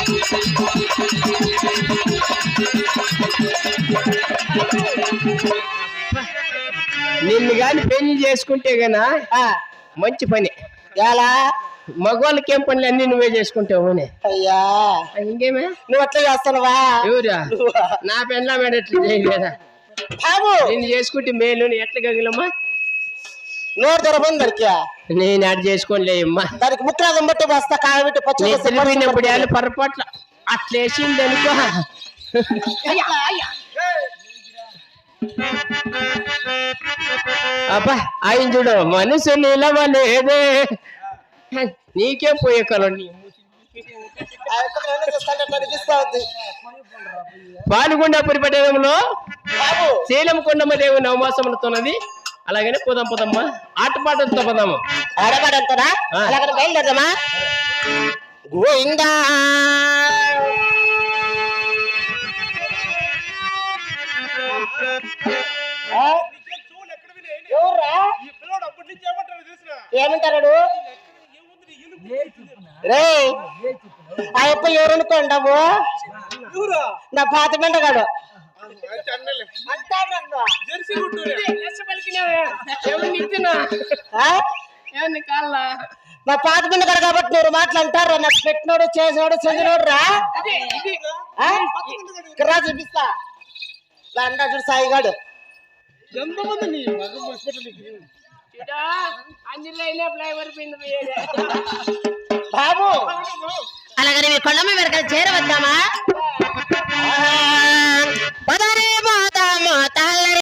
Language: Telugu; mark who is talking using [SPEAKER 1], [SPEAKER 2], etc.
[SPEAKER 1] నిన్ను గాని పెళ్లి చేసుకుంటే గనా మంచి పని.
[SPEAKER 2] ఎలా
[SPEAKER 1] మగవాళ్ళకి ఏం పనులు అన్ని నువ్వే చేసుకుంటావు.
[SPEAKER 2] అయ్యా
[SPEAKER 1] ఇంకేమే
[SPEAKER 2] నువ్వు అట్లా చేస్తానవా?
[SPEAKER 1] ఎవరా నా పెళ్ళ మేడ ఎట్లా చేయలేదా
[SPEAKER 2] బాబు?
[SPEAKER 1] నేను చేసుకుంటే మేలు ఎట్లా గగిలమ్మా?
[SPEAKER 2] నోరు తెరబంది దానికి.
[SPEAKER 1] నేను అటు చేసుకోలేమ్మా.
[SPEAKER 2] దానికి ముక్కరాగం బట్టి వస్తా కాయబెట్టి
[SPEAKER 1] పచ్చినప్పుడు వాళ్ళు పొరపాట్ల అట్లా వేసింది అనుకో. అబ్బా ఆయన చూడు మనసు నిలవలేదే. నీకేం పోయే కలం. పాల్గొండపురి పట్టణంలో శీలం కొండమ్మ దేవి నవమాసములతోన్నది. అలాగనే పోదాం పోదమ్మా, ఆటపాటలతో పోదాము.
[SPEAKER 2] ఆడపాటలతోనా? అలాగనే బయలుదేరదామా? గోవిందా ఏమంటారు రే? ఆ అప్ప ఎవరనుకోండావు? నా పాత మెండగాడు. నా పాత మెండగాడు కాబట్టి మీరు మాట్లాంటారు. నాకు పెట్టినోడు చేసినోడు చెందినోడు రా చూపిస్తా. అంటా చూడు సాయిగాడు. బాబు అలాగని మీ కొండమ్మ వెనక చేరవద్దామా?